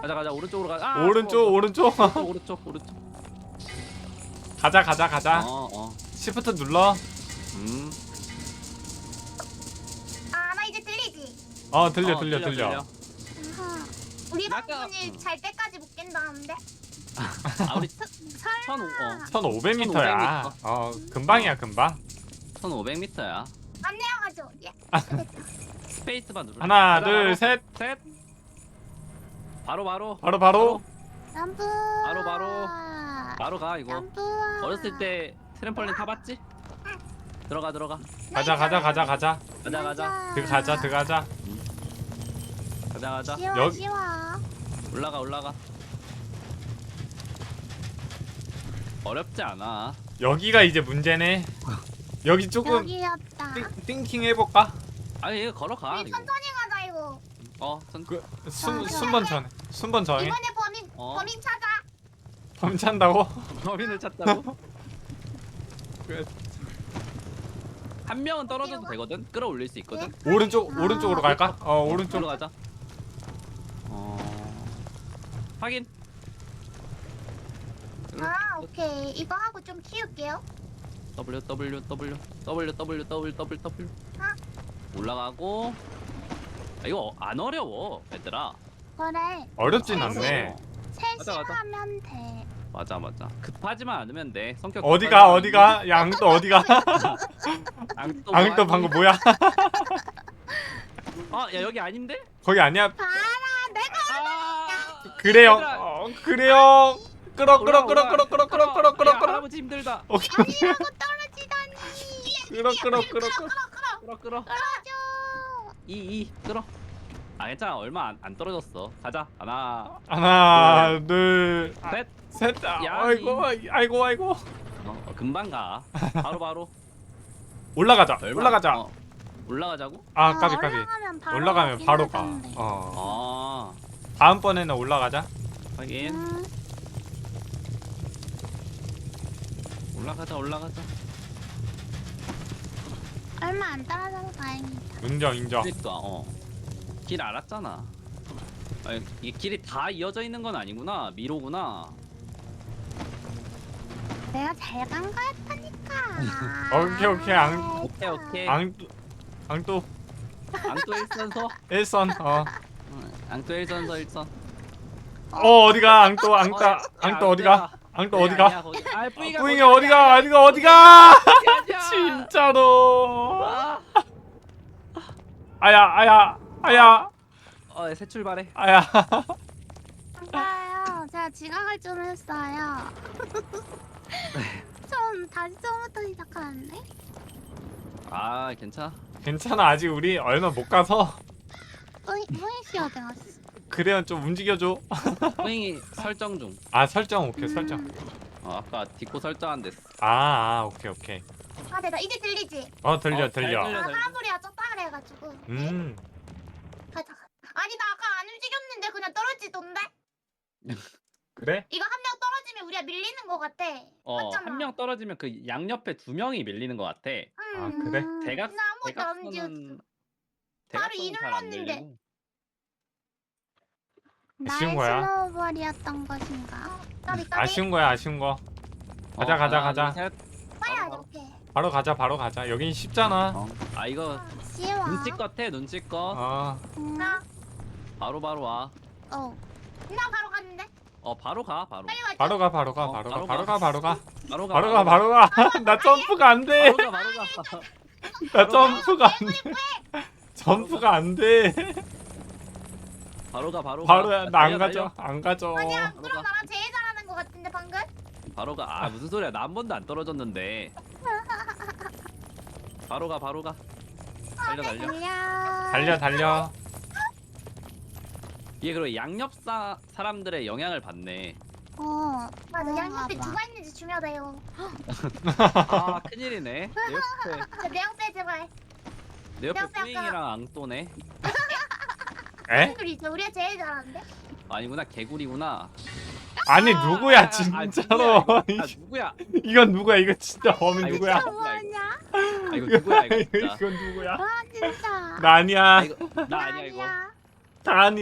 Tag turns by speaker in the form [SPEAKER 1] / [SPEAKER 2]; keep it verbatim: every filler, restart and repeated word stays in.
[SPEAKER 1] 가자 가자 오른쪽으로 가자. 아,
[SPEAKER 2] 오른쪽
[SPEAKER 1] 어, 어.
[SPEAKER 2] 오른쪽.
[SPEAKER 1] 오른쪽 오른쪽 오른쪽.
[SPEAKER 2] 가자 가자 가자.
[SPEAKER 1] 어 어.
[SPEAKER 2] 시프트 눌러.
[SPEAKER 1] 음.
[SPEAKER 3] 아, 나 이제 들리지?
[SPEAKER 2] 어 들려
[SPEAKER 1] 어,
[SPEAKER 2] 들려 들려.
[SPEAKER 3] 아하. 우리
[SPEAKER 1] 약간,
[SPEAKER 3] 방송이
[SPEAKER 1] 음.
[SPEAKER 3] 잘 때까지 못 깬다는데?
[SPEAKER 1] 아 우리
[SPEAKER 3] 설마.
[SPEAKER 1] 천오 어
[SPEAKER 2] 천오백 미터야. 어 금방이야 금방.
[SPEAKER 1] 천오백 미터야.
[SPEAKER 3] 안 내려가죠? 예.
[SPEAKER 1] 스페이스만 누르.
[SPEAKER 2] 하나 둘 셋.
[SPEAKER 1] 셋. 바로 바로
[SPEAKER 2] 바로 바로.
[SPEAKER 3] 점프.
[SPEAKER 1] 바로, 바로. 바로 가 이거.
[SPEAKER 3] 점프.
[SPEAKER 1] 어렸을 때 트램펄린 타봤지? 들어가 들어가
[SPEAKER 2] 가자 가자 가자 가자.
[SPEAKER 1] 가자 가자
[SPEAKER 2] 들어가자 들어가자.
[SPEAKER 1] 가자 가자.
[SPEAKER 3] 쉬워
[SPEAKER 2] 여기-
[SPEAKER 3] 쉬워.
[SPEAKER 1] 올라가 올라가. 어렵지 않아.
[SPEAKER 2] 여기가 이제 문제네. 여기 조금
[SPEAKER 3] 여기였다.
[SPEAKER 2] 띵, 띵킹 해볼까?
[SPEAKER 1] 아니 이거 걸어가
[SPEAKER 3] 우리
[SPEAKER 1] 이거.
[SPEAKER 3] 천천히 가자 이거.
[SPEAKER 1] 어 천.
[SPEAKER 2] 그 순, 순번 전에 순번 전에
[SPEAKER 3] 이번에 범인
[SPEAKER 1] 어.
[SPEAKER 3] 범인 찾아.
[SPEAKER 2] 범찬다고?
[SPEAKER 1] 범인을 찾다고? 한 명은 떨어져도 되거든. 끌어올릴 수 있거든.
[SPEAKER 2] 오른쪽
[SPEAKER 3] 아.
[SPEAKER 2] 오른쪽으로 갈까? 어 오른쪽.
[SPEAKER 1] 오른쪽으로 가자. 어 확인.
[SPEAKER 3] 아 오케이 이거 하고 좀 키울게요.
[SPEAKER 1] W W W W W W W W
[SPEAKER 3] 아.
[SPEAKER 1] 올라가고. 아, 이거 안 어려워 얘들아.
[SPEAKER 3] 그래
[SPEAKER 2] 어렵진
[SPEAKER 1] 아,
[SPEAKER 2] 않네.
[SPEAKER 3] 셋이
[SPEAKER 1] 가자, 가자.
[SPEAKER 3] 하면 돼.
[SPEAKER 1] 맞아 맞아. 급하지만 않으면 돼. 성격.
[SPEAKER 2] 어디가
[SPEAKER 1] 급하지
[SPEAKER 2] 어디가? 양또 어디가?
[SPEAKER 1] 않으면- 앙또
[SPEAKER 2] 앙또
[SPEAKER 1] 뭐하니?
[SPEAKER 2] 방금 뭐야?
[SPEAKER 1] 아, 야 여기 아닌데?
[SPEAKER 2] 거기 아니야?
[SPEAKER 3] 봐라 내가
[SPEAKER 1] 아.
[SPEAKER 2] 그래요.
[SPEAKER 1] 얘들아.
[SPEAKER 2] 어, 그래요. 끌어 끌어
[SPEAKER 1] 올라와,
[SPEAKER 2] 끌어
[SPEAKER 1] 올라와.
[SPEAKER 2] 끌어 끌어 끌어 끌어 끌어
[SPEAKER 1] 야,
[SPEAKER 2] 끌어.
[SPEAKER 1] 할아버지 힘들다.
[SPEAKER 2] 오케이.
[SPEAKER 3] 아니라고 떨어지다니.
[SPEAKER 2] 끌어 끌어 끌어 끌어.
[SPEAKER 1] 끌어 끌어.
[SPEAKER 3] 떨어져.
[SPEAKER 1] 이이 끌어. 아 괜찮아 얼마 안, 안 떨어졌어. 가자. 하나
[SPEAKER 2] 하나 둘
[SPEAKER 1] 셋.
[SPEAKER 2] 셋. 아,
[SPEAKER 1] 야,
[SPEAKER 2] 아이고 아이고 아이고.
[SPEAKER 1] 어, 어, 금방 가. 바로 바로.
[SPEAKER 2] 올라가자.
[SPEAKER 1] 얼마-
[SPEAKER 2] 올라가자.
[SPEAKER 1] 어, 올라가자고?
[SPEAKER 2] 아
[SPEAKER 3] 어,
[SPEAKER 2] 까비 까비.
[SPEAKER 3] 올라가면 바로
[SPEAKER 2] 올라가면
[SPEAKER 3] 가긴
[SPEAKER 2] 바로 가.
[SPEAKER 3] 하던데.
[SPEAKER 2] 어.
[SPEAKER 1] 아
[SPEAKER 2] 다음번에는 올라가자.
[SPEAKER 1] 확인.
[SPEAKER 3] 음,
[SPEAKER 1] 올라가자 올라가자.
[SPEAKER 3] 얼마 안 떨어져서 다행이다.
[SPEAKER 2] 인정 인정.
[SPEAKER 1] 그러니까 어. 길 알았잖아. 아니, 이 길이 다 이어져 있는 건 아니구나. 미로구나.
[SPEAKER 3] 내가 잘 간 거였다니까.
[SPEAKER 2] 오케이, 오케이, 안-
[SPEAKER 1] 오케이 오케이.
[SPEAKER 2] 앙또 앙또
[SPEAKER 1] 앙또 일선서.
[SPEAKER 2] 일선. 어.
[SPEAKER 1] 응, 앙또 일선서 일선.
[SPEAKER 2] 어 어디가 앙또 앙따
[SPEAKER 1] 어, 야,
[SPEAKER 2] 앙또 어디가? 앙또 어디가?
[SPEAKER 1] 아니야, 거기. 아 뿌이가
[SPEAKER 2] 뿌잉이 어디가? 어디가 어디가? 진짜로.
[SPEAKER 1] 아.
[SPEAKER 2] 아야 아야 아야
[SPEAKER 1] 어, 새 출발해.
[SPEAKER 2] 아야.
[SPEAKER 3] 맞아요. 제가 지각을 좀 했어요. 좀 다시 처음부터 시작하는데?
[SPEAKER 1] 아, 괜찮아.
[SPEAKER 2] 괜찮아 아직 우리 얼마 못 가서.
[SPEAKER 3] 뿌이 뿌이 씨 어디 갔어?
[SPEAKER 2] 그래요 좀 움직여줘.
[SPEAKER 1] 뿌잉이 설정 중.
[SPEAKER 2] 아 설정 오케이 설정.
[SPEAKER 3] 음.
[SPEAKER 1] 어, 아까 디코 설정 안 됐어.
[SPEAKER 2] 아, 아 오케이 오케이.
[SPEAKER 3] 아 됐다 이제 들리지?
[SPEAKER 2] 어 들려
[SPEAKER 1] 어, 잘
[SPEAKER 2] 들려.
[SPEAKER 1] 들려.
[SPEAKER 3] 아 사람 소리가 쪘다 그래가지고.
[SPEAKER 2] 음
[SPEAKER 3] 가자 가자. 아니 나 아까 안 움직였는데 그냥 떨어지던데?
[SPEAKER 2] 그래?
[SPEAKER 3] 이거 한 명 떨어지면 우리가 밀리는 거 같아.
[SPEAKER 1] 어,
[SPEAKER 3] 맞잖아.
[SPEAKER 1] 한 명 떨어지면 그 양옆에 두 명이 밀리는 것 같아.
[SPEAKER 2] 아, 그래?
[SPEAKER 1] 대각
[SPEAKER 3] 나 아무것도 안 움직였어.
[SPEAKER 1] 대각선은
[SPEAKER 3] 바로
[SPEAKER 1] 대각선은
[SPEAKER 3] 이
[SPEAKER 1] 잘안
[SPEAKER 3] 눌렀는데.
[SPEAKER 1] 밀리고.
[SPEAKER 2] 아쉬운
[SPEAKER 3] 나의
[SPEAKER 2] 거야?
[SPEAKER 3] 스노우볼이었던 것인가? 까비 까비.
[SPEAKER 2] 아쉬운 거야 아쉬운 거. 가자,
[SPEAKER 1] 어,
[SPEAKER 2] 가자,
[SPEAKER 1] 하나,
[SPEAKER 2] 가자.
[SPEAKER 1] 둘, 셋.
[SPEAKER 3] 빨리
[SPEAKER 1] 바로,
[SPEAKER 3] 하자 오케이.
[SPEAKER 2] 바로 가자 바로 가자. 여긴 쉽잖아.
[SPEAKER 1] 어. 아 이거
[SPEAKER 3] 아, 쉬워.
[SPEAKER 1] 눈치껏 해 눈치껏.
[SPEAKER 2] 어
[SPEAKER 3] 음.
[SPEAKER 1] 아. 바로 바로 와.
[SPEAKER 3] 어. 나 바로 갔는데.
[SPEAKER 1] 어 바로 가 바로.
[SPEAKER 3] 빨리 가자.
[SPEAKER 2] 바로 가 바로 가
[SPEAKER 1] 어,
[SPEAKER 2] 바로 가
[SPEAKER 1] 바로
[SPEAKER 2] 바로
[SPEAKER 1] 가.
[SPEAKER 2] 가 바로 가
[SPEAKER 1] 바로 가
[SPEAKER 2] 바로 가 바로 가. 나 점프가 안 돼.
[SPEAKER 1] 바로 가 바로 가.
[SPEAKER 2] 나 점프가 안 돼. 점프가 안 돼.
[SPEAKER 1] 바로 가 바로 가.
[SPEAKER 2] 바로야 나 안
[SPEAKER 1] 달려,
[SPEAKER 2] 가져 안 가져.
[SPEAKER 3] 아니야
[SPEAKER 1] 바로
[SPEAKER 3] 그럼
[SPEAKER 1] 가.
[SPEAKER 3] 나랑 제일 잘하는 거 같은데 방금?
[SPEAKER 1] 달려. 바로 가. 아 무슨 소리야? 나 한 번도 안 떨어졌는데. 바로 가 바로 가. 달려 달려.
[SPEAKER 3] 달려.
[SPEAKER 2] 달려 달려.
[SPEAKER 1] 이게 그리고 양옆사 사람들의 영향을 받네.
[SPEAKER 3] 어 맞아 양옆에
[SPEAKER 1] 음.
[SPEAKER 3] 누가 있는지 중요해요.
[SPEAKER 1] 아 큰일이네. 내 옆에
[SPEAKER 3] 저 내역대 제발.
[SPEAKER 1] 내 옆에
[SPEAKER 3] 옆에
[SPEAKER 1] 뿌잉이랑 앙또네.
[SPEAKER 2] 에?
[SPEAKER 3] 우리죠 우리가 제일 잘하는데.
[SPEAKER 1] 아니구나 개구리구나.
[SPEAKER 2] 아니
[SPEAKER 1] 아,
[SPEAKER 2] 누구야
[SPEAKER 1] 아, 아,
[SPEAKER 2] 진짜로.
[SPEAKER 1] 누구야, 이거? 아 누구야?
[SPEAKER 2] 이건 누구야 이거 진짜 범인
[SPEAKER 1] 아, 이거
[SPEAKER 2] 누구야?
[SPEAKER 3] 저 뭐하냐?
[SPEAKER 1] 아 이거 누구야 이거 진짜.
[SPEAKER 2] 이건 누구야?
[SPEAKER 3] 아 진짜.
[SPEAKER 2] 나 아니야.
[SPEAKER 1] 아, 이거 나 아니야 이거.
[SPEAKER 3] 아니야.
[SPEAKER 2] 다 아니.